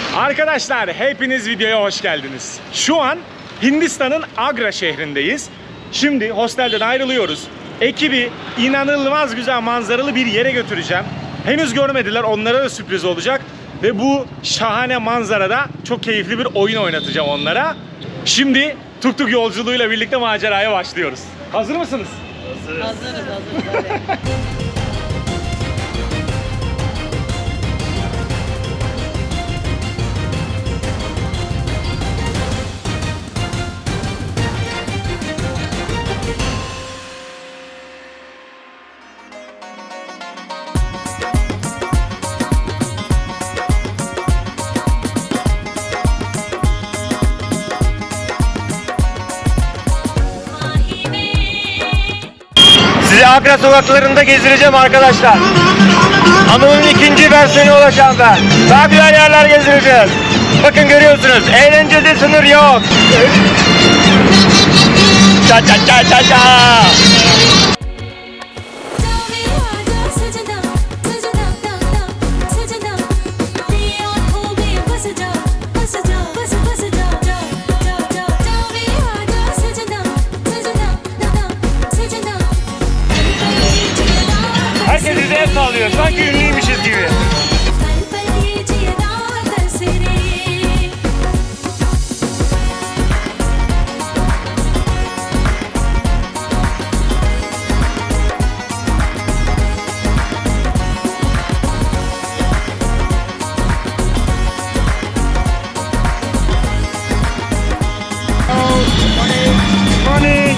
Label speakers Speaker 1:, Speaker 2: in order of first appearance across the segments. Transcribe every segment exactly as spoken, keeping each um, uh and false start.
Speaker 1: Arkadaşlar hepiniz videoya hoş geldiniz. Şu an Hindistan'ın Agra şehrindeyiz. Şimdi hostelden ayrılıyoruz. Ekibi inanılmaz güzel manzaralı bir yere götüreceğim. Henüz görmediler, onlara da sürpriz olacak. Ve bu şahane manzarada çok keyifli bir oyun oynatacağım onlara. Şimdi tuk tuk yolculuğuyla birlikte maceraya başlıyoruz. Hazır mısınız?
Speaker 2: Hazırız. Hazırız, hazırız. Hadi.
Speaker 3: Sizi Agra sokaklarında gezdireceğim arkadaşlar. Anımın ikinci versiyonu olacağım ben. Daha güzel yerler gezdireceğiz. Bakın görüyorsunuz, eğlencede sınır yok. Ça ça ça ça ça. Herkes bize el sallıyor, sanki ünlüymüşüz gibi. Morning.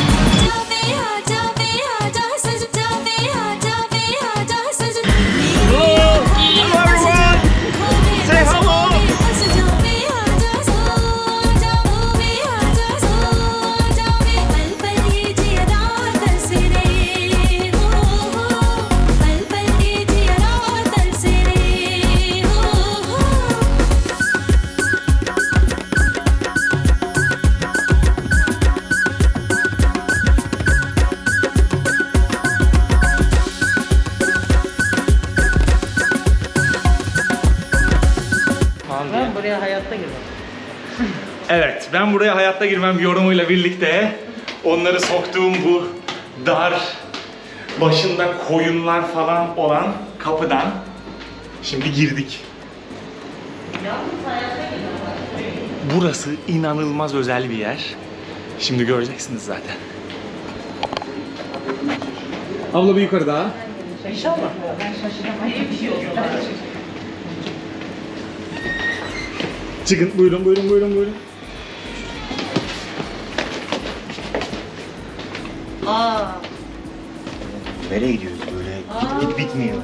Speaker 2: Ben buraya hayatta girmem.
Speaker 1: Evet, ben buraya hayatta girmem yorumuyla birlikte onları soktuğum bu dar, başında koyunlar falan olan kapıdan şimdi girdik.
Speaker 2: Yalnız hayatta girmem.
Speaker 1: Burası inanılmaz özel bir yer. Şimdi göreceksiniz zaten. Abla bir yukarı daha.
Speaker 2: İnşallah. Ben şaşıramam. İyi bir şey olsun.
Speaker 1: Çıkın, buyurun, buyurun, buyurun, buyurun.
Speaker 2: Aa.
Speaker 3: Nereye gidiyoruz böyle? Git git bitmiyor.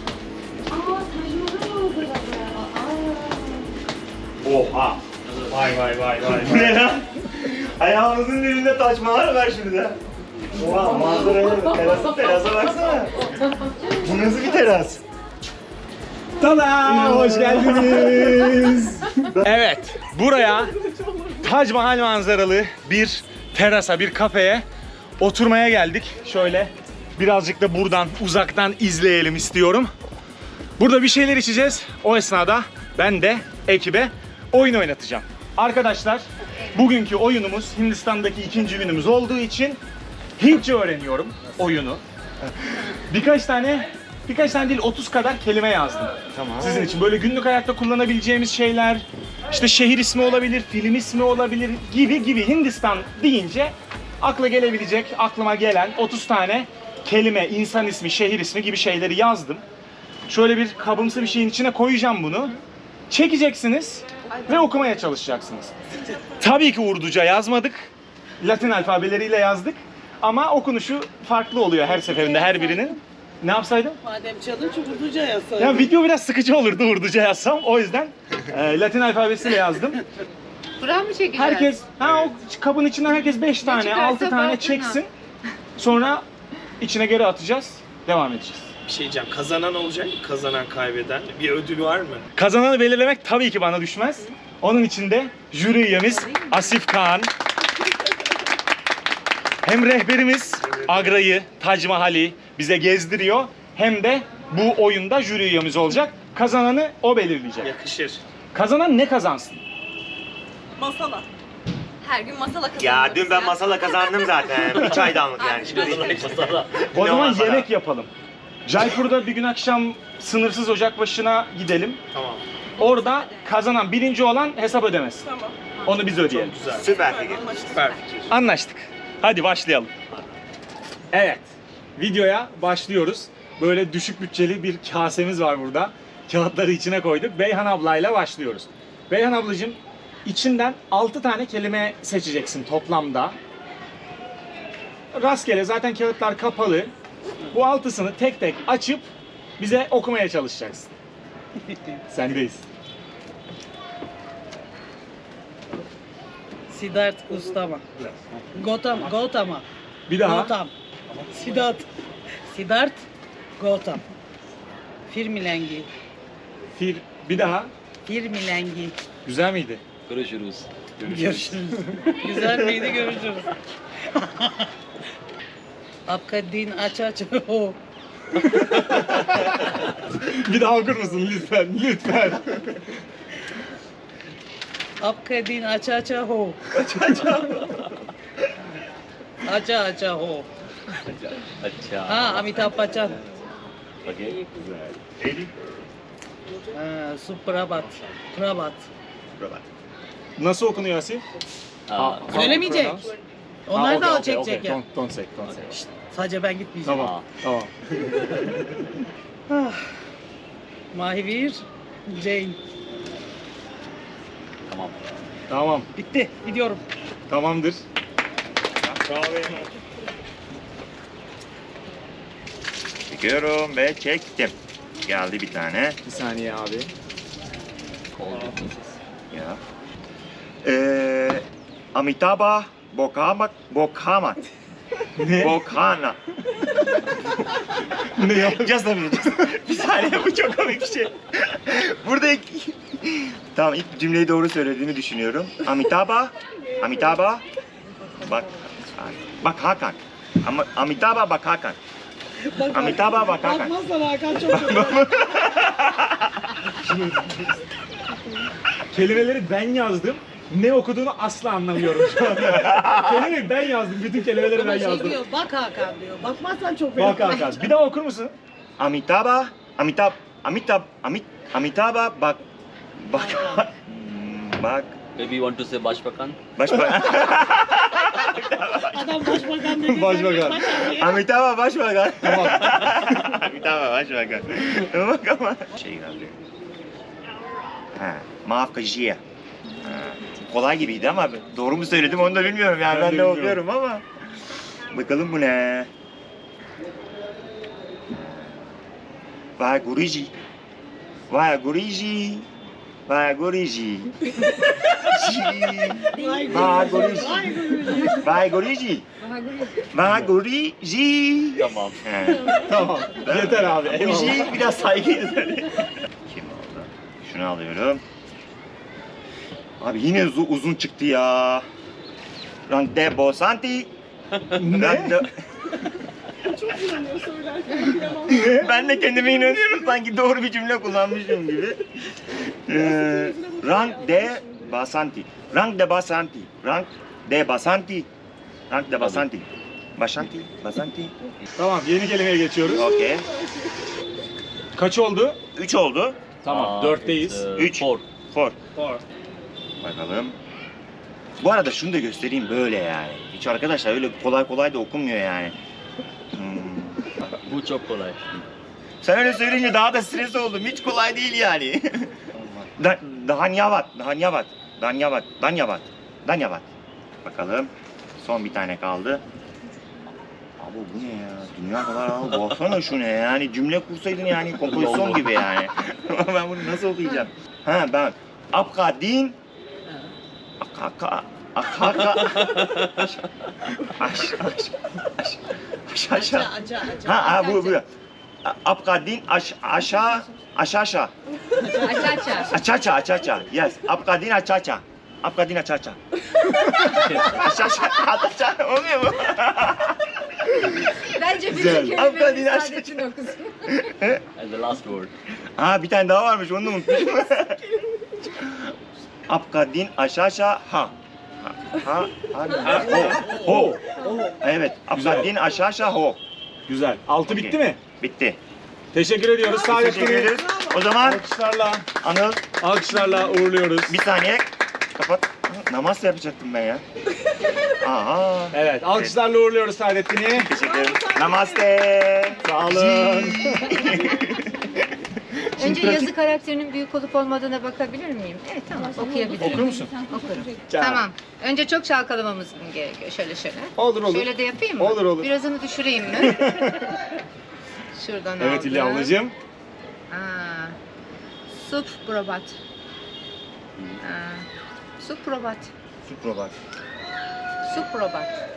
Speaker 1: Oha! Vay vay vay vay.
Speaker 3: Bu ne lan? Ayağımızın dibinde taş var ver şimdi de. Oha manzaraya bak, terasa, terasa baksana. Bu nasıl bir teras?
Speaker 1: Tada! Hoş geldiniz. Evet, buraya Tac Mahal manzaralı bir terasa, bir kafeye oturmaya geldik. Şöyle birazcık da buradan uzaktan izleyelim istiyorum. Burada bir şeyler içeceğiz. O esnada ben de ekibe oyun oynatacağım. Arkadaşlar, bugünkü oyunumuz Hindistan'daki ikinci günümüz olduğu için Hintçe öğreniyorum oyunu. Birkaç tane Birkaç tane değil, otuz kadar kelime yazdım.
Speaker 3: Tamam.
Speaker 1: Sizin için böyle günlük hayatta kullanabileceğimiz şeyler, işte şehir ismi olabilir, film ismi olabilir gibi gibi. Hindistan deyince akla gelebilecek, aklıma gelen otuz tane kelime, insan ismi, şehir ismi gibi şeyleri yazdım. Şöyle bir kabımsı bir şeyin içine koyacağım bunu. Çekeceksiniz ve okumaya çalışacaksınız. Tabii ki Urduca yazmadık. Latin alfabeleriyle yazdık. Ama okunuşu farklı oluyor her seferinde her birinin. Ne yapsaydım?
Speaker 2: Madem challenge Urduca yazsaydın.
Speaker 1: Ya video biraz sıkıcı olurdu Urduca yazsam. O yüzden e, Latin alfabesiyle yazdım.
Speaker 4: Buran mı çekeceğiz?
Speaker 1: Herkes, ha o kabın içinden herkes beş tane,
Speaker 4: çıkarsa
Speaker 1: altı tane
Speaker 4: baktın
Speaker 1: çeksin. Sonra içine geri atacağız. Devam edeceğiz.
Speaker 5: Bir şey diyeceğim. Kazanan olacak mı? Kazanan, kaybeden. Bir ödül var mı?
Speaker 1: Kazananı belirlemek tabii ki bana düşmez. Onun için de jüri üyemiz Asif Kaan. Hem rehberimiz Agra'yı, Tac Mahal'i bize gezdiriyor. Hem de bu oyunda jüri üyemiz olacak. Kazananı o belirleyecek.
Speaker 5: Yakışır.
Speaker 1: Kazanan ne kazansın?
Speaker 2: Masala.
Speaker 4: Her gün masala kazanıyoruz.
Speaker 3: Ya dün ben masala kazandım zaten. Bir çaydanlık yani. Şimdi
Speaker 1: O
Speaker 3: Ne
Speaker 1: zaman
Speaker 3: masala?
Speaker 1: yemek yapalım. Jaipur'da bir gün akşam sınırsız ocak başına gidelim.
Speaker 5: Tamam.
Speaker 1: Orada kazanan birinci olan hesap ödemesin.
Speaker 2: Tamam.
Speaker 1: Onu biz ödeyelim.
Speaker 5: Güzel.
Speaker 3: Süper fikir.
Speaker 5: Süper fikir.
Speaker 1: Anlaştık. Hadi başlayalım. Evet. Videoya başlıyoruz. Böyle düşük bütçeli bir kasemiz var burada. Kağıtları içine koyduk. Beyhan ablayla başlıyoruz. Beyhan ablacığım, içinden altı tane kelime seçeceksin toplamda. Rastgele, zaten kağıtlar kapalı. Bu altısını tek tek açıp bize okumaya çalışacaksın. Sendeyiz.
Speaker 2: Siddharth Gautama. Gautam, Gautama.
Speaker 1: Bir daha.
Speaker 2: Gautam. Siddharth. Siddharth Gautam. Firmilengi.
Speaker 1: Fir, bir daha.
Speaker 2: Firmilengi.
Speaker 1: Güzel miydi?
Speaker 2: Görüşürüz. Güzel miydi? Görüşürüz. Apka din aç aç ho.
Speaker 1: Bir daha okur musun lütfen? Lütfen.
Speaker 2: Apka din aç aç ho. Aça aça ho.
Speaker 6: अच्छा
Speaker 2: Ha, Amitabh Bachchan.
Speaker 6: Okay
Speaker 2: Ha, Suprabat. Prabat.
Speaker 1: Nasıl okunuyor Asil?
Speaker 6: हाँ
Speaker 2: Söylemeyecek. Onlar
Speaker 1: Ha,
Speaker 2: da
Speaker 1: okey,
Speaker 2: o çekecek
Speaker 1: okey, okey.
Speaker 2: ya.
Speaker 1: Don't, don't say, don't say.
Speaker 2: Şşt, sadece ben gitmeyeceğim.
Speaker 1: Tamam, tamam.
Speaker 2: Ah. Mahivir, Jane.
Speaker 6: तमाम
Speaker 1: Tamam,
Speaker 2: Bitti. Gidiyorum.
Speaker 1: tamamdır.
Speaker 3: Çekiyorum ve çektim. Geldi bir tane.
Speaker 1: Bir saniye abi.
Speaker 6: all the pieces
Speaker 3: Ya. Ee, Amitabha Bokamak Bokamat.
Speaker 1: Ne?
Speaker 3: Bokana.
Speaker 1: Ne ya?
Speaker 3: Just a minute. just- bir saniye, bu çok komik bir şey. Burada ilk... Tamam, ilk cümleyi doğru söylediğini düşünüyorum. Amitabha, Amitabha, bak, bak Hakan. Ama Amitabha bak Hakan. Amitabha bak Hakan.
Speaker 2: Bakmazsan Hakan çok kötü.
Speaker 1: Kelimeleri ben yazdım. Ne okuduğunu asla anlamıyorum şu anda. Kelimeyi ben yazdım. Bütün kelimeleri ben
Speaker 2: Ama şey
Speaker 1: yazdım.
Speaker 2: diyor, bak Hakan diyor. Bakmazsan çok
Speaker 1: Bak
Speaker 2: fena.
Speaker 1: Hakan. Bir daha okur musun?
Speaker 3: Amitabha, Amitabh, Amitabh, Amit, Amitabha bak, bak, bak,
Speaker 6: maybe you want to say Bashpakan
Speaker 3: başbakan.
Speaker 2: Adam başbakan dedi.
Speaker 1: Başbakan.
Speaker 3: Amitabha başbakan.
Speaker 1: Tamam.
Speaker 3: Amitabha başbakan. Bak ama. Şey geldi. Ha, maaf kajiye. Ha, kolay gibiydi ama doğru mu söyledim onu da bilmiyorum yani,
Speaker 1: Ben
Speaker 3: ben,
Speaker 1: de
Speaker 3: de
Speaker 1: bilmiyorum.
Speaker 3: okuyorum ama. Bakalım bu ne? Vay Guruji. Vay Guruji. Vay Guruji.
Speaker 2: Vay
Speaker 3: Vay
Speaker 2: Guruji.
Speaker 3: Guruji. Vay Guruji. Vay Guruji.
Speaker 6: tamam
Speaker 3: He.
Speaker 1: Tamam. Yeter abi. Eyvallah.
Speaker 3: Guruji biraz saygıydı tabii. Kim oldu? Şunu alıyorum. Abi yine uz- uzun çıktı ya. Rante Bosanti.
Speaker 1: Ne?
Speaker 3: Ben de kendime inanıyorum, sanki doğru bir cümle kullanmışım gibi. Ee, rank de Basanti. Rank de Basanti. Rank de Basanti. Rank de Basanti. Basanti, Basanti.
Speaker 1: Tamam, yeni kelimeye geçiyoruz.
Speaker 3: Okey.
Speaker 1: Kaç oldu?
Speaker 3: Üç oldu.
Speaker 1: Tamam,
Speaker 6: Uh,
Speaker 1: dörtteyiz.
Speaker 6: it's, uh,
Speaker 3: Üç.
Speaker 6: four
Speaker 3: Four. Bakalım. Bu arada şunu da göstereyim, böyle yani. Hiç arkadaşlar öyle kolay kolay da okunmuyor yani. Hmm.
Speaker 6: bu çok kolay
Speaker 3: Sen öyle söyleyince daha da stres oldum. Hiç kolay değil yani. da, Danyavat, Danyavat, Danyavat, Danyavat, Danyavat. Bakalım. Son bir tane kaldı. Abi bu ne ya? Dünya kadar abi. Baksana şu ne yani? Cümle kursaydın yani, kompozisyon gibi yani. Ben bunu nasıl okuyacağım? Ha ben. Apkadin. Akaka. Akaka. Aş. Aş. Aş. Aş. Aş. Aşağı.
Speaker 2: Aça aça.
Speaker 3: Ha, ha bu bu. Apkadin aş aşağı aşağı.
Speaker 4: Aça aça.
Speaker 3: Açaça açaça. Yes. Apkadin açaça. Apkadin açaça. Açaça. Açaça. Oluyor mu?
Speaker 4: Bence bütün
Speaker 1: Güzel.
Speaker 3: Hakikaten
Speaker 4: kelimeleri
Speaker 3: aç.
Speaker 4: sadece okusun.
Speaker 6: and the last word
Speaker 3: Ha bir tane daha varmış, onu da unutmuşum. Apka din aşağı aşağı ha. Ha, ha, ha, ho.
Speaker 1: Ho.
Speaker 3: Evet,
Speaker 1: Güzel.
Speaker 3: apka din aşağı aşağı ho.
Speaker 1: Güzel. Altı
Speaker 3: Okey.
Speaker 1: bitti mi?
Speaker 3: Bitti.
Speaker 1: Teşekkür ediyoruz.
Speaker 3: Teşekkür
Speaker 1: Saadettin'i
Speaker 3: ederiz. O zaman
Speaker 1: alkışlarla,
Speaker 3: Anıl
Speaker 1: alkışlarla uğurluyoruz.
Speaker 3: bir saniye kapat. Namaz yapacaktım ben ya. Aha.
Speaker 1: Evet, alkışlarla uğurluyoruz Saadettin'i.
Speaker 3: Teşekkür ederim. Namaste.
Speaker 1: Sağ olun.
Speaker 7: Önce yazı karakterinin büyük olup olmadığına bakabilir miyim? Evet tamam okuyabilirim.
Speaker 1: Okur musun?
Speaker 7: Okurum.
Speaker 1: Gel.
Speaker 7: Tamam. Önce çok çalkalamamız gerekiyor. Şöyle şöyle.
Speaker 1: Olur olur.
Speaker 7: Şöyle de yapayım mı?
Speaker 1: Olur, olur.
Speaker 7: Birazını düşüreyim mi? Şuradan
Speaker 1: Evet
Speaker 7: aldım.
Speaker 1: İlya ablacığım.
Speaker 7: Aa, Sup probat. Aa, Sup probat.
Speaker 3: Suprobat.
Speaker 7: Sup probat.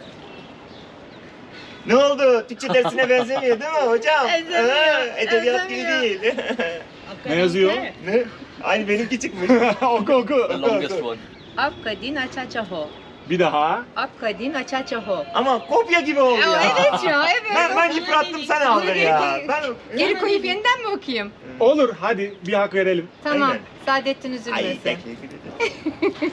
Speaker 3: Ne oldu? Türkçe dersine benzemiyor değil mi hocam?
Speaker 7: Benzemiyor,
Speaker 3: Ha, edebiyat gibi
Speaker 7: benzemiyor.
Speaker 3: değil.
Speaker 1: Ne yazıyor?
Speaker 3: Ne? Aynı benimki çıkmış.
Speaker 1: oku oku.
Speaker 6: The longest one.
Speaker 7: Apka din aça ho.
Speaker 1: Bir daha.
Speaker 7: Apka din aça ho.
Speaker 3: Ama kopya gibi oldu ya.
Speaker 7: Evet ya evet.
Speaker 3: Ben, ben yıprattım sen aldın ya. Ben...
Speaker 7: Geri koyup yeniden mi okuyayım?
Speaker 1: Olur hadi bir hak verelim.
Speaker 7: Tamam.
Speaker 3: Aynen.
Speaker 7: Saadettin
Speaker 3: Ay
Speaker 7: üzülmesin.
Speaker 3: teşekkür ederim.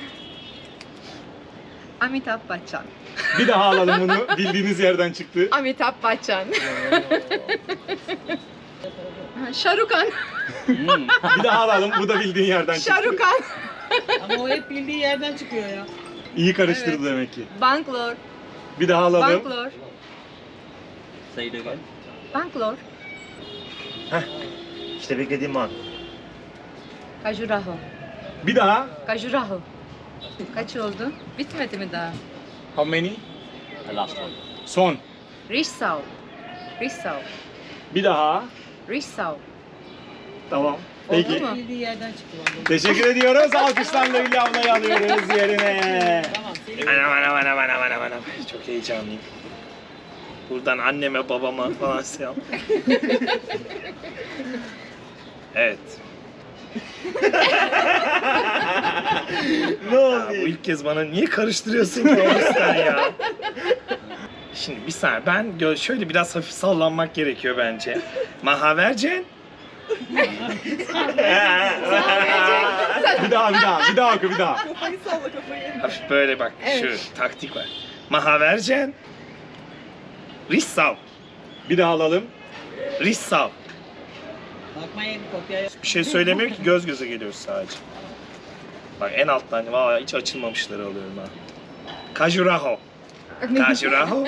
Speaker 7: Amitabh Bachchan.
Speaker 1: Bir daha alalım bunu. Bildiğiniz yerden çıktı.
Speaker 7: Amitabh Bachchan. Şarukan.
Speaker 6: Mm.
Speaker 1: Bir daha alalım. Bu da bildiğin yerden çıktı.
Speaker 7: Şarukan.
Speaker 2: Ama o hep bildiği yerden çıkıyor ya.
Speaker 1: İyi karıştırdı demek ki.
Speaker 7: Bangalore.
Speaker 1: Bir daha alalım.
Speaker 7: Bangalore.
Speaker 6: Say it again.
Speaker 7: Bangalore.
Speaker 3: İşte beklediğim an.
Speaker 7: Khajuraho.
Speaker 1: Bir daha.
Speaker 7: Khajuraho. Kaç oldu? Bitmedi mi daha?
Speaker 1: How many?
Speaker 6: The last one.
Speaker 1: Son.
Speaker 7: Rissau. Rissau.
Speaker 1: Bir daha.
Speaker 7: Rissau.
Speaker 1: Tamam. Peki.
Speaker 7: Oldu mu?
Speaker 2: Bildiği yerden çıkıyor.
Speaker 1: Teşekkür ediyoruz. Alkışlarla Hülya ablayı alıyoruz yerine.
Speaker 2: Tamam. Seni
Speaker 5: Anam anam anam anam anam anam. Çok heyecanlıyım. Buradan anneme babama falan selam. Evet.
Speaker 3: Ne
Speaker 5: Ya,
Speaker 3: oldu?
Speaker 5: bu ilk kez bana niye karıştırıyorsun ki sen ya? Şimdi bir saniye ben gö- şöyle biraz hafif sallanmak gerekiyor bence. Mahavercen.
Speaker 1: Bir daha bir daha. Bir daha oku bir daha.
Speaker 5: Hafif böyle bak şu taktik var. Mahavercen. Rissau.
Speaker 1: Bir daha alalım.
Speaker 5: Rissau.
Speaker 2: bakmayın kopyaya.
Speaker 5: Bir şey söylemiyor ki göz göze geliyoruz sadece. Bak en alttan valla hiç açılmamışları alıyorum ha. Khajuraho. Khajuraho.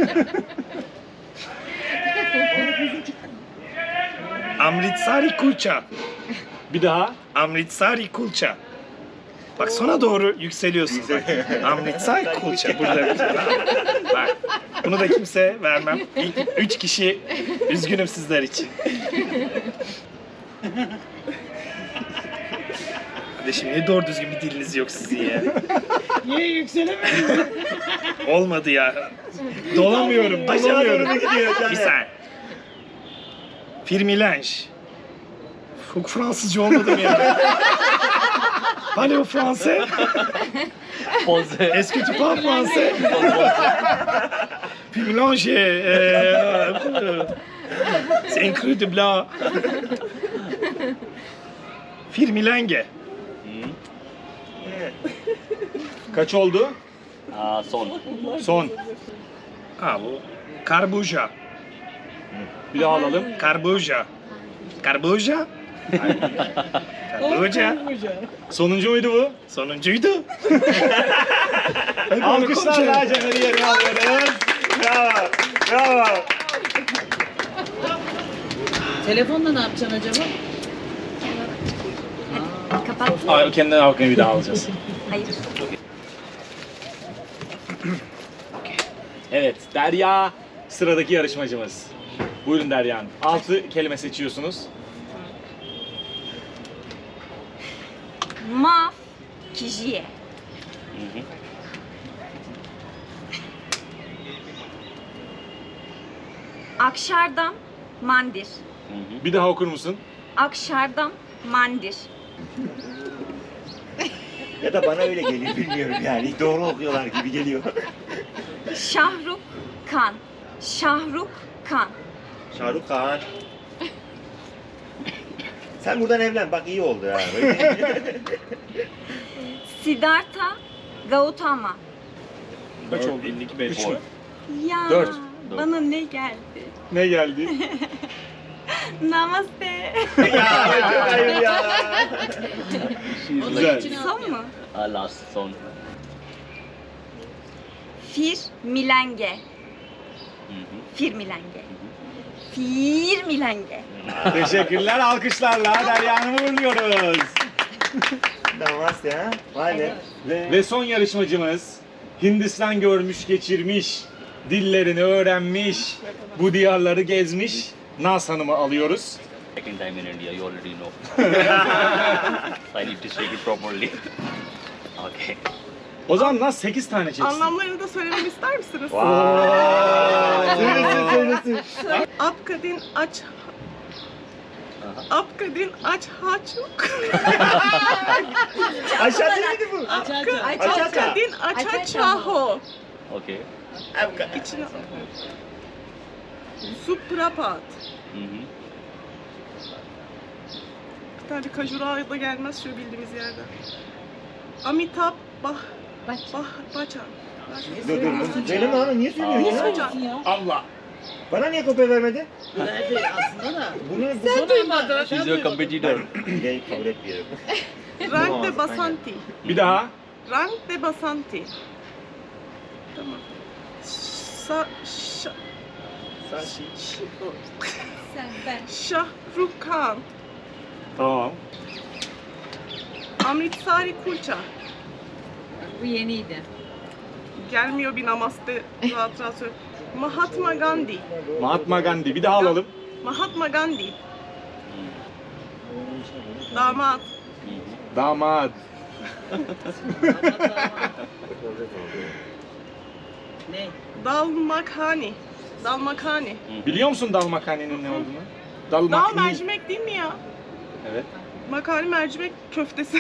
Speaker 5: Amritsari kulcha.
Speaker 1: Bir daha.
Speaker 5: Amritsari kulcha. Bak sona doğru yükseliyorsun. Bak. Amritsari kulcha burada. Bak. Bunu da kimse vermem. İlk üç kişi üzgünüm sizler için. Kardeşim niye doğru düzgün bir diliniz yok sizin ya?
Speaker 2: Niye yükselemedin?
Speaker 5: Olmadı ya. Dolamıyorum,
Speaker 3: Aşağı doğru
Speaker 5: dolamıyorum.
Speaker 3: mu gidiyor
Speaker 5: Bir
Speaker 3: yani?
Speaker 5: saniye. Firmilange. Çok Fransızca olmadım ya. Parlez au français?
Speaker 6: Pause.
Speaker 5: Est-ce que tu parles français? Firmilange, euh, c'est un cru de blanc. Firmilange.
Speaker 6: Mm.
Speaker 1: Kaç oldu?
Speaker 6: Uh, son.
Speaker 1: Son.
Speaker 5: Ha bu. Karbuja.
Speaker 1: Bir daha alalım.
Speaker 5: Karbuja. Karbuja? Karbuja.
Speaker 1: Sonuncu muydu bu?
Speaker 5: Sonuncuydu.
Speaker 1: Alkışlarla Cener'i yerine alıyoruz.
Speaker 3: Bravo. Bravo.
Speaker 2: Telefonla ne yapacaksın acaba?
Speaker 4: Kapat.
Speaker 1: Ay, kendinden halkını bir daha alacağız.
Speaker 4: Hayır.
Speaker 1: Evet, Derya sıradaki yarışmacımız. Buyurun Derya Hanım. Altı kelime seçiyorsunuz.
Speaker 4: Ma. Kijiye.
Speaker 6: Mhm.
Speaker 4: Akşardam. Mandir.
Speaker 6: Mhm.
Speaker 1: Bir daha okur musun?
Speaker 4: Akşardam. Mandir.
Speaker 3: Ya da bana öyle geliyor bilmiyorum yani. Doğru okuyorlar gibi geliyor.
Speaker 4: Şahruk Kan. Şahruk Kan.
Speaker 3: Şahrukh Khan. Sen buradan evlen. Bak iyi oldu ha.
Speaker 4: Siddhartha Gautama.
Speaker 1: Kaç oldu?
Speaker 5: elli beş.
Speaker 1: Üç mü?
Speaker 4: Ya
Speaker 1: Dört.
Speaker 4: bana ne geldi?
Speaker 1: Ne geldi?
Speaker 4: Namaste.
Speaker 3: Ya hayır ya.
Speaker 1: Güzel.
Speaker 4: Son mu?
Speaker 6: Uh, last son.
Speaker 4: Fir milenge.
Speaker 6: Mhm.
Speaker 4: Fir milenge. Fir milenge.
Speaker 1: Teşekkürler. Alkışlarla Derya Hanım'ı uğurluyoruz.
Speaker 3: Namaste ha. Vay be.
Speaker 1: Ve son yarışmacımız Hindistan görmüş geçirmiş, dillerini öğrenmiş, bu diyarları gezmiş Naz Hanım'ı alıyoruz.
Speaker 6: Second time in India, you already know. I need to shake it properly. Okay.
Speaker 1: O zaman Naz sekiz tane çeksin.
Speaker 8: Anlamlarını da söylememi ister misiniz?
Speaker 3: Söylesin söylesin.
Speaker 8: Apkadin aç... Apkadin aç haçuk.
Speaker 3: Aşağı değil bu?
Speaker 2: Aç aç aç.
Speaker 8: Apkadin aç çaho.
Speaker 6: Okay.
Speaker 8: İçine... Suprapat.
Speaker 6: Mhm.
Speaker 8: Bir tane kajura da gelmez şu bildiğimiz yerde. Amitabh Bah...
Speaker 7: Bak.
Speaker 8: Bah... Bachchan.
Speaker 3: Dur dur dur. Söyleme abi niye söylüyorsun ya?
Speaker 8: Hocam.
Speaker 2: ya.
Speaker 1: Allah.
Speaker 3: Bana niye kopya vermedin?
Speaker 2: Verdi aslında da.
Speaker 3: Bunu
Speaker 2: Sen duymadın.
Speaker 6: She's your competitor.
Speaker 3: Hileyi kabul etmiyorum.
Speaker 8: Rank de Basanti.
Speaker 1: Bir daha.
Speaker 8: Rank de Basanti. Tamam. Sa... Şa...
Speaker 7: Sen ben.
Speaker 8: Shahrukh Khan.
Speaker 1: Tamam.
Speaker 8: Amritsari Kulcha.
Speaker 7: Bu yeniydi.
Speaker 8: Gelmiyor bir namaste rahat rahat söyle. Mahatma Gandhi.
Speaker 1: Mahatma Gandhi. Bir daha alalım.
Speaker 8: Mahatma Gandhi. Damat.
Speaker 1: Damat.
Speaker 2: Ne?
Speaker 8: Dal Makhani. Dal Makhani.
Speaker 1: Biliyor musun dal makarnenin ne olduğunu? Dal
Speaker 8: Dal
Speaker 1: makhani.
Speaker 8: mercimek değil mi ya?
Speaker 1: Evet.
Speaker 8: Makhani mercimek köftesi.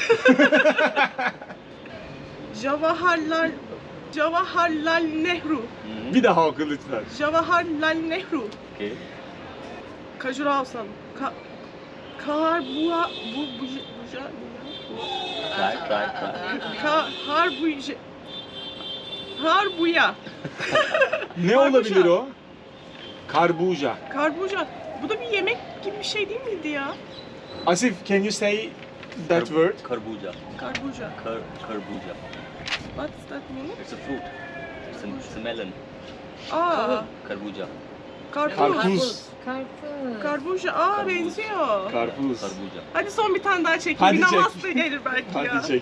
Speaker 8: Jawaharlal Jawaharlal Nehru.
Speaker 1: Bir daha oku lütfen.
Speaker 8: Jawaharlal Nehru.
Speaker 6: Okay.
Speaker 8: Kajura Avsan. Ka Kaharbua bu bu buja
Speaker 6: Try, try, try.
Speaker 8: Ka Harbuja Harbuya.
Speaker 1: Ne olabilir o? Karbuja.
Speaker 8: Karbuja. Bu da bir yemek gibi bir şey değil miydi ya?
Speaker 1: Asif, can you say that word?
Speaker 6: Kharbuja.
Speaker 8: Karbuja.
Speaker 6: Khar, kharbuja.
Speaker 8: What's that mean?
Speaker 6: It's a fruit. It's a, it's a melon.
Speaker 8: Aa,
Speaker 6: Kharbuja.
Speaker 8: karpuz.
Speaker 1: Karpuz.
Speaker 7: Karpuz.
Speaker 8: Karbuja. Aa,
Speaker 6: Karpuz.
Speaker 8: benziyor.
Speaker 1: Karpuz.
Speaker 6: Kharbuja.
Speaker 8: Hadi son bir tane daha çekeyim.
Speaker 1: Hadi
Speaker 8: bir
Speaker 1: çek.
Speaker 8: namaste gelir belki ya.
Speaker 1: Hadi çek.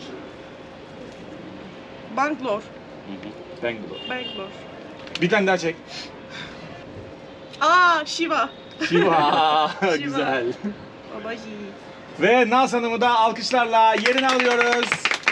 Speaker 8: Bangalore.
Speaker 6: Mhm.
Speaker 1: Bangalore.
Speaker 8: Bangalore.
Speaker 1: Bir tane daha çek.
Speaker 8: Aa, Shiva.
Speaker 1: Shiva. Güzel.
Speaker 8: Baba yiğit.
Speaker 1: Ve Naz Hanım'ı da alkışlarla yerine alıyoruz.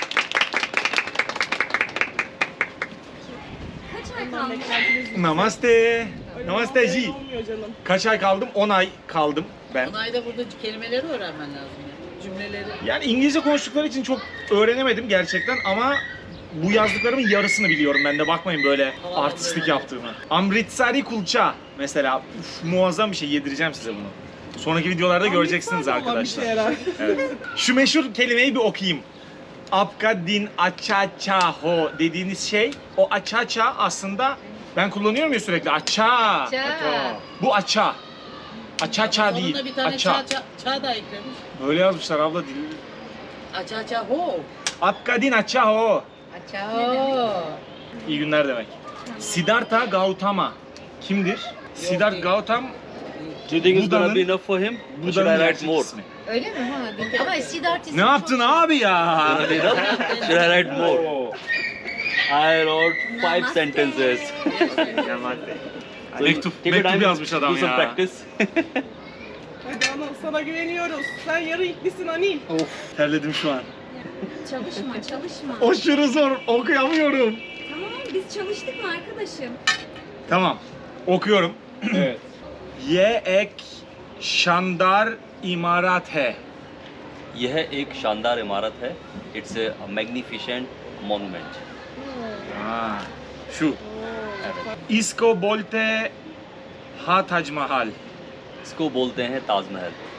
Speaker 4: Kaç ay kalmış?
Speaker 1: Namaste. Namaste Ji.
Speaker 8: Olmuyor canım.
Speaker 1: Kaç ay kaldım? on ay kaldım ben.
Speaker 2: On ayda burada kelimeleri öğrenmen lazım ya. Cümleleri.
Speaker 1: Yani İngilizce konuştukları için çok öğrenemedim gerçekten ama bu yazdıklarımın yarısını biliyorum ben de, bakmayın böyle artistlik yaptığımı. Amritsari kulça mesela, uf, muazzam bir şey, yedireceğim size bunu. Sonraki videolarda göreceksiniz
Speaker 8: Amritsar'da olan bir
Speaker 1: arkadaşlar.
Speaker 8: şey herhalde.
Speaker 1: Evet. Şu meşhur kelimeyi bir okuyayım. Apka din acha ho dediğiniz şey, o acha aslında ben kullanıyorum ya sürekli, acha.
Speaker 7: Ça.
Speaker 1: Bu acha. Acha değil,
Speaker 2: Sonunda bir tane
Speaker 1: acha.
Speaker 2: çağ, çağ, çağ da eklemiş.
Speaker 1: Böyle yazmışlar abla, dil.
Speaker 2: Aça aça ho.
Speaker 1: Apka din acha ho.
Speaker 7: Açao.
Speaker 1: İyi günler demek. Siddhartha Gautama kimdir? Siddhartha Gautam
Speaker 6: Do you think it's gonna
Speaker 1: Buda'nın-
Speaker 6: be enough for him? Or should
Speaker 1: Buda'nın
Speaker 6: I write
Speaker 1: gerçek
Speaker 6: more?
Speaker 1: ismi.
Speaker 7: Öyle mi? Ha, bilmiyorum. Ama Siddharth ismi
Speaker 1: Ne yaptın
Speaker 7: çok-
Speaker 1: abi ya?
Speaker 6: Gonna be enough? Should I write more?
Speaker 1: Oo.
Speaker 6: I wrote five
Speaker 4: Namaste.
Speaker 6: sentences.
Speaker 3: Namaste.
Speaker 6: So
Speaker 1: Mektup-
Speaker 6: you take your
Speaker 1: mektup
Speaker 6: time,
Speaker 1: yazmış adam
Speaker 6: do some
Speaker 1: ya.
Speaker 6: practice.
Speaker 8: Hadi Anıl, sana güveniyoruz. Sen yarı iklisin Anil.
Speaker 1: Of, terledim şu an.
Speaker 4: Çalışma, çalışma.
Speaker 1: Aşırı zor, okuyamıyorum.
Speaker 4: Tamam, biz çalıştık mı arkadaşım?
Speaker 1: Tamam, okuyorum.
Speaker 5: Evet.
Speaker 1: Ye ek şandar imarat hai.
Speaker 6: यह एक शानदार इमारत है. It's a magnificent monument.
Speaker 1: Ha, şu. Evet. Isko bolte ha Taj Mahal.
Speaker 6: इसको बोलते हैं Taj Mahal.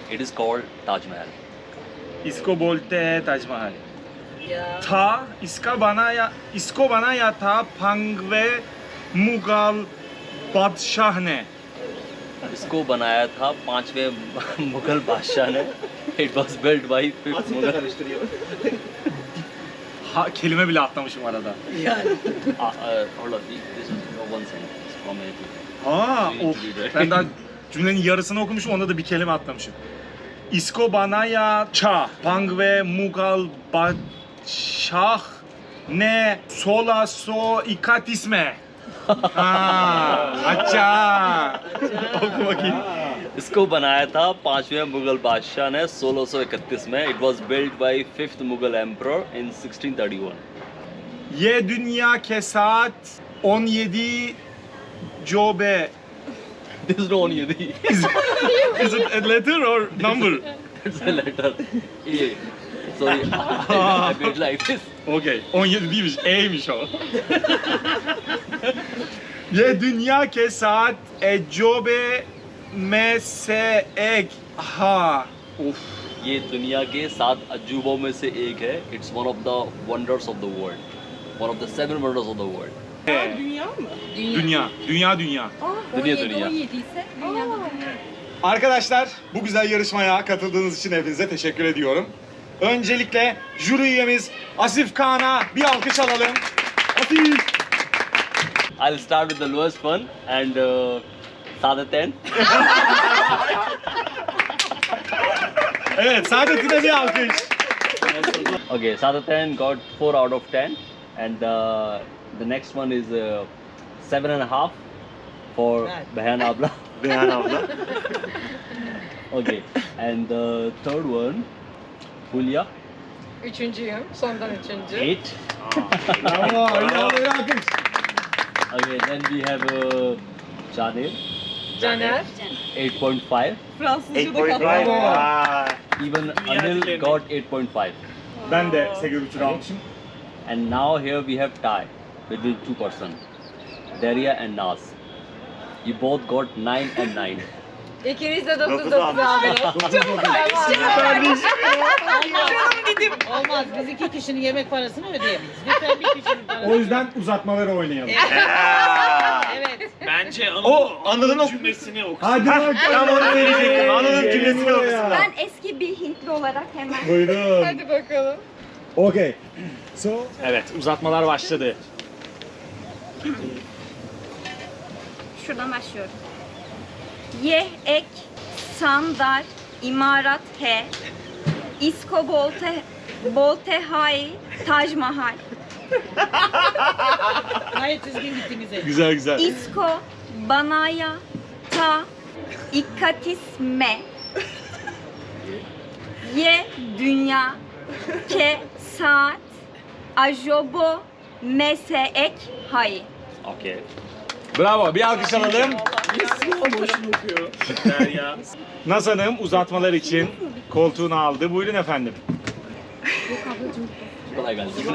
Speaker 6: It is called Taj Mahal.
Speaker 5: इसको बोलते हैं ताजमहल।
Speaker 2: Ya.
Speaker 5: था इसका बनाया इसको बनाया था पंगवे मुगल बादशाह ने।
Speaker 6: इसको बनाया था पांचवें मुगल बादशाह ने. It was built by fifth Mughal.
Speaker 5: Ha, kelime bile atlamışım arada.
Speaker 2: Yani.
Speaker 6: Uh, uh, hold on, this is one sentence from A to
Speaker 5: Aa,
Speaker 6: You need
Speaker 5: of.
Speaker 6: to read it.
Speaker 5: Ben daha cümlenin yarısını okumuşum, onda da bir kelime atlamışım. İsko banaya ça pangve mugal badşah ne sola so ikatisme. Ha, अच्छा. Oku bakayım.
Speaker 6: इसको बनाया था पांचवें मुगल बादशाह ने सोलह सौ इकतीस में. It was built by fifth Mughal emperor in sixteen thirty-one.
Speaker 5: Ye dünya kesat on yedi jobe.
Speaker 6: This is not Yadi.
Speaker 5: Is, is it a letter or number?
Speaker 6: It's a letter. A. Sorry, I made like this.
Speaker 5: Okey. on yedi değilmiş. E'ymiş o. Ye dünya ke saat e jobe me se ek ha. Of.
Speaker 6: ये दुनिया के सात अजूबों में से एक है. It's one of the wonders of the world. One of the seven wonders of the world.
Speaker 8: Dünya mı?
Speaker 5: Dünya. Dünya dünya.
Speaker 6: Dünya dünya.
Speaker 4: ise dünyada dünya.
Speaker 1: Arkadaşlar bu güzel yarışmaya katıldığınız için hepinize teşekkür ediyorum. Öncelikle jüri üyemiz Asif Kaan'a bir alkış alalım. Asif!
Speaker 6: I'll start with the lowest one and uh, Saadaten.
Speaker 1: Evet, Saadettin'e bir alkış.
Speaker 6: Okay, Saadaten got four out of ten, and uh, the next one is uh, seven and a half for
Speaker 2: Right.
Speaker 6: Behan Abla.
Speaker 3: Behan abla.
Speaker 6: Okay, and the third one, Hulya,
Speaker 7: Üçüncüyüm. Sondan üçüncü.
Speaker 6: eight.
Speaker 1: Bravo, bravo, bir alkış.
Speaker 6: Okay, then we have uh, Jadir,
Speaker 7: Caner.
Speaker 6: eight point five.
Speaker 8: Fransızca
Speaker 3: eight
Speaker 8: da
Speaker 3: point
Speaker 8: kaldı.
Speaker 3: five. Vay.
Speaker 6: Even Anil got eight point five.
Speaker 1: Ben de sekiz buçuk almışım.
Speaker 6: And now here we have tie between two persons, Daria and Nas. You both got nine and nine.
Speaker 7: İkiniz de dokuz
Speaker 3: Dokuz
Speaker 7: dokuz
Speaker 3: almış.
Speaker 7: abi.
Speaker 2: Olmaz. Biz iki kişinin yemek parasını ödeyemeyiz. Lütfen bir kişinin parasını.
Speaker 1: O yüzden uzatmaları oynayalım.
Speaker 2: Evet.
Speaker 5: Bence
Speaker 3: O Anıl'ın o
Speaker 5: cümlesini oku.
Speaker 1: Hadi bakalım.
Speaker 3: Tam onu verecektim. Anıl'ın cümlesini okusunlar.
Speaker 4: Ben eski bir Hintli olarak hemen
Speaker 1: Buyurun.
Speaker 7: Hadi bakalım.
Speaker 1: Okay. So,
Speaker 5: Evet, uzatmalar başladı.
Speaker 4: şuradan başlıyorum. Ye ek sandar imarat he isko bolte bolte hay Taj Mahal
Speaker 2: Gayet düzgün gittiniz. hep.
Speaker 1: güzel güzel.
Speaker 4: isko banaya ta ikatisme ye dünya ke saat ajobo meseek hay.
Speaker 6: Okay.
Speaker 1: Bravo, bir alkış alalım.
Speaker 5: Boşuna okuyor. Derya.
Speaker 1: Naz Hanım uzatmalar için koltuğunu aldı. Buyurun efendim.
Speaker 6: Kolay gelsin.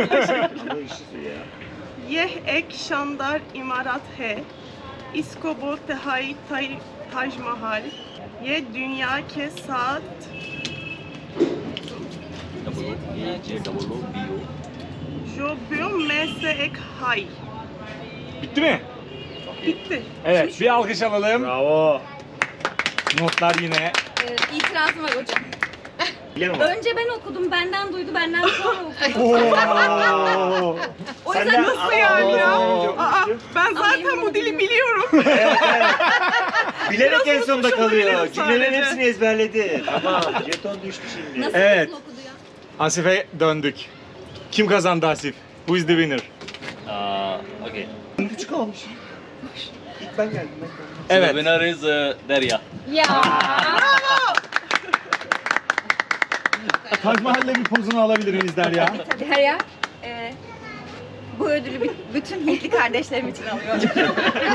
Speaker 8: Yeh ek şandar imarat he. İsko bolte hay tay Taj Mahal. Ye dünya ke saat
Speaker 6: Double O, A, J, double O, B, O.
Speaker 8: jobu mese ek hay.
Speaker 1: Bitti mi?
Speaker 8: Bitti.
Speaker 1: Evet, bir alkış alalım.
Speaker 5: Bravo.
Speaker 1: Notlar yine.
Speaker 4: Ee, itirazım var hocam.
Speaker 3: Biliyor musun?
Speaker 4: Önce ben okudum, benden duydu, benden sonra okudu.
Speaker 1: Oo.
Speaker 4: O
Speaker 3: Sen
Speaker 4: yüzden
Speaker 3: de-
Speaker 4: nasıl
Speaker 8: Nasıl yani ya?
Speaker 3: Aa.
Speaker 8: Aa, ben
Speaker 4: Ama
Speaker 8: zaten
Speaker 4: emin
Speaker 8: bu dili
Speaker 4: değilim.
Speaker 8: biliyorum.
Speaker 3: Bilerek en sonunda
Speaker 8: unutmuş
Speaker 3: kalıyor.
Speaker 8: olabilirim
Speaker 3: Cümlelerin
Speaker 8: sadece.
Speaker 3: hepsini ezberledi. Tamam, jeton düştü şimdi.
Speaker 4: Nasıl,
Speaker 1: Evet.
Speaker 4: nasıl okudu ya?
Speaker 1: Asif'e döndük. Kim kazandı Asif? Who is the winner?
Speaker 6: Uh, okay.
Speaker 3: Küçük almış. İlk ben geldim. Ben geldim.
Speaker 6: So
Speaker 1: Evet.
Speaker 6: the winner is uh, Daria.
Speaker 7: Ya.
Speaker 1: Taj Mahal'le bir pozunu alabilir miyiz Derya?
Speaker 4: Tabii her yer. Ee, bu ödülü b- bütün Hintli kardeşlerim için alıyorum.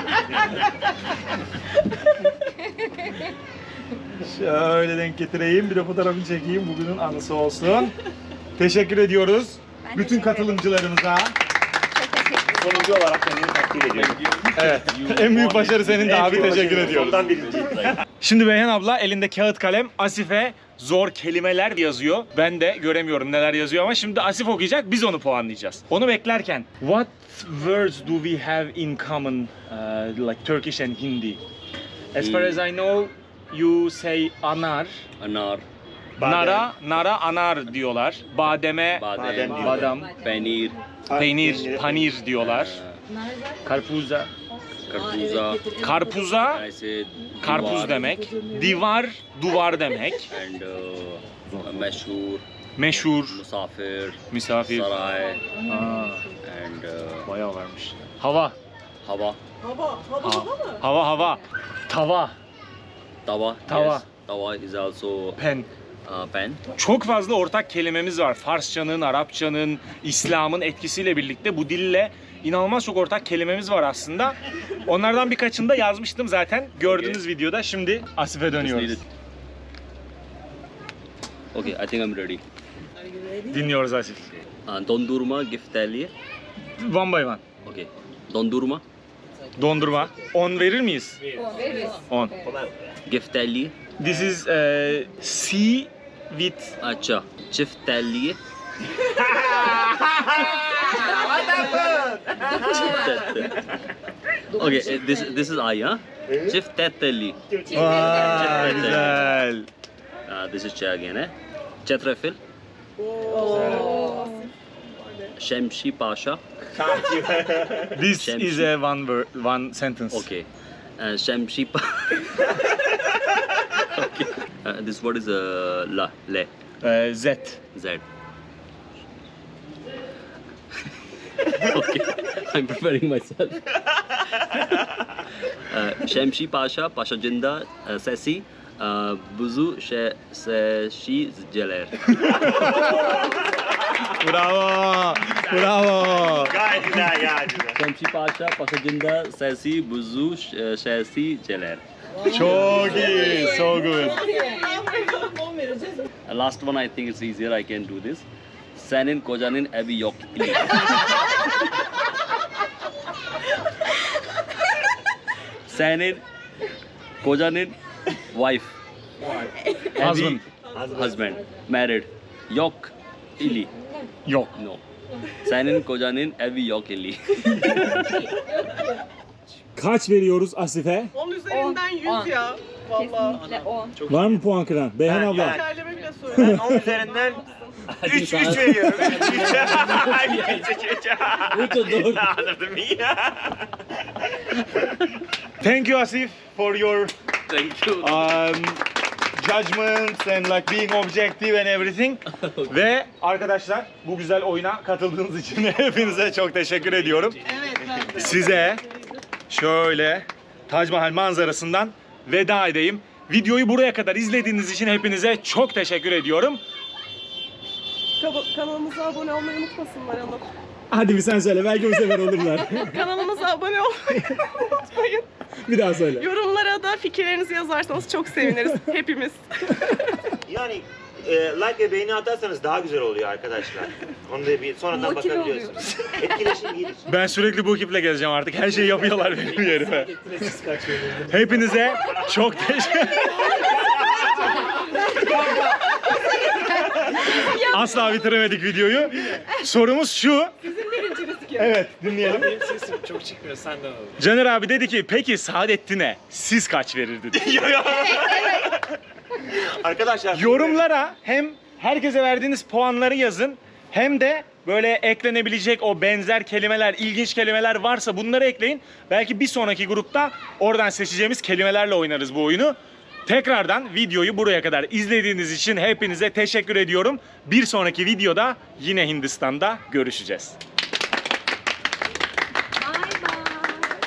Speaker 1: Şöyle denk getireyim. Bir de fotoğrafını çekeyim. Bugünün anısı olsun. Teşekkür ediyoruz.
Speaker 4: Ben
Speaker 1: Bütün
Speaker 4: teşekkür ederim.
Speaker 1: katılımcılarımıza.
Speaker 4: Çok teşekkür ederim.
Speaker 3: Sonuncu olarak kendini takdir ediyorum.
Speaker 1: Evet. En büyük başarı senin de abi. Teşekkür ediyoruz.
Speaker 3: Sondan birinci.
Speaker 1: Şimdi Beyhan abla elinde kağıt kalem Asif'e zor kelimeler yazıyor. Ben de göremiyorum neler yazıyor ama şimdi Asif okuyacak, biz onu puanlayacağız. Onu beklerken what words do we have in common uh, like Turkish and Hindi? As far as I know you say anar.
Speaker 6: Anar,
Speaker 1: Nara, nara anar diyorlar. Bademe,
Speaker 6: badem,
Speaker 3: Badem diyor.
Speaker 1: badam,
Speaker 6: peynir,
Speaker 1: peynir, panir diyorlar.
Speaker 6: uh,
Speaker 1: Karpuza,
Speaker 6: karpuza,
Speaker 1: karpuza,
Speaker 6: I say
Speaker 1: karpuz
Speaker 6: duvar,
Speaker 1: demek. Divar, duvar demek.
Speaker 6: and uh, meşhur,
Speaker 1: Meşhur,
Speaker 6: musafir,
Speaker 1: misafir.
Speaker 6: saray,
Speaker 1: Aa,
Speaker 6: and uh,
Speaker 1: bayağı varmış. Hava,
Speaker 6: hava,
Speaker 8: Hava, hava
Speaker 1: ha-
Speaker 8: hava mı?
Speaker 1: hava, hava. Tava,
Speaker 6: tava,
Speaker 1: Tava.
Speaker 6: yes, tava is also
Speaker 1: pen.
Speaker 6: uh, pen.
Speaker 1: Çok fazla ortak kelimemiz var. Farsçanın, Arapçanın, İslam'ın etkisiyle birlikte bu dille inanılmaz çok ortak kelimemiz var aslında. Onlardan birkaçını da yazmıştım zaten gördüğünüz videoda. Şimdi Asif'e dönüyoruz.
Speaker 6: Okay, I think I'm ready.
Speaker 1: Dinliyoruz Asif.
Speaker 6: Uh, dondurma gifteli.
Speaker 1: One by one.
Speaker 6: Okay, dondurma,
Speaker 1: Dondurma. on verir miyiz? on.
Speaker 6: gifteli,
Speaker 1: This is uh, C with
Speaker 6: acha, çifteli. Okay, uh, this this is I, huh? Çifteteli.
Speaker 1: Vay, güzel.
Speaker 6: Uh, this is Ç again, eh? Çetrefil. Şemşi Paşa.
Speaker 1: This
Speaker 6: Şemsi.
Speaker 1: is a one word, one sentence.
Speaker 6: Okay. Uh, Şemşi Pa. Okay. Uh, this word is uh, la, le,
Speaker 1: Uh, Z.
Speaker 6: z. Okay, I'm preparing myself. uh, Şemşi Paşa, Paşa Cinda, uh, Sesi, uh, Buzu Şe, Seşi Celer.
Speaker 1: Bravo. Bravo.
Speaker 3: Gayet güzel gayet güzel.
Speaker 6: Şemşi Paşa, Paşa Cinda, Sesi, Buzu Ş- Şesi Celer.
Speaker 1: Çok iyi. So good.
Speaker 8: on vereceğiz.
Speaker 6: Uh, Last one, I think it's easier. I can do this. Senin kocanın evi yok. Senin kocanın wife. Evi-
Speaker 1: Husband.
Speaker 6: Husband. Married. Yok. ili.
Speaker 1: Yok.
Speaker 6: No. Senin kocanın evi yok ili.
Speaker 1: Kaç veriyoruz Asif'e?
Speaker 8: on üzerinden yüz
Speaker 4: on.
Speaker 8: ya. Vallahi.
Speaker 4: Kesinlikle on.
Speaker 1: Var mı puan kıran? Beyhan
Speaker 3: Ben-
Speaker 1: abla.
Speaker 3: yani-
Speaker 8: Tekerleme bile
Speaker 3: Ben
Speaker 8: söylüyorum.
Speaker 3: on üzerinden üç üç veriyorum. üç üç. Anladın mı ya?
Speaker 1: Thank you Asif for your
Speaker 6: Thank you.
Speaker 1: um, judgments and like being objective and everything. Ve arkadaşlar bu güzel oyuna katıldığınız için hepinize çok teşekkür ediyorum.
Speaker 2: Evet, ben de.
Speaker 1: Size şöyle Tac Mahal manzarasından veda edeyim. Videoyu buraya kadar izlediğiniz için hepinize çok teşekkür ediyorum.
Speaker 8: Kaba- Kanalımıza abone olmayı unutmasınlar hanım.
Speaker 1: Hadi bir sen söyle, belki bu sefer olurlar.
Speaker 8: Kanalımıza abone olmayı unutmayın.
Speaker 1: Bir daha söyle.
Speaker 8: Yorumlara da fikirlerinizi yazarsanız çok seviniriz hepimiz.
Speaker 3: Yani e, like ve beğeni atarsanız daha güzel oluyor arkadaşlar. Onu da bir sonradan
Speaker 4: Motive
Speaker 3: bakabiliyorsunuz. Etkileşim gelir.
Speaker 1: Ben sürekli bu ekiple gezeceğim artık. Her şeyi yapıyorlar benim yerime. Hepinize çok teşekkür Asla bitiremedik videoyu. Sorumuz şu. Evet, dinleyelim.
Speaker 5: Benim sesim çok çıkmıyor, senden alalım.
Speaker 1: Caner abi dedi ki, peki Saadettin'e siz kaç verirdiniz?
Speaker 3: Arkadaşlar
Speaker 1: Yorumlara hem herkese verdiğiniz puanları yazın, hem de böyle eklenebilecek o benzer kelimeler, ilginç kelimeler varsa bunları ekleyin. Belki bir sonraki grupta oradan seçeceğimiz kelimelerle oynarız bu oyunu. Tekrardan videoyu buraya kadar izlediğiniz için hepinize teşekkür ediyorum. Bir sonraki videoda yine Hindistan'da görüşeceğiz.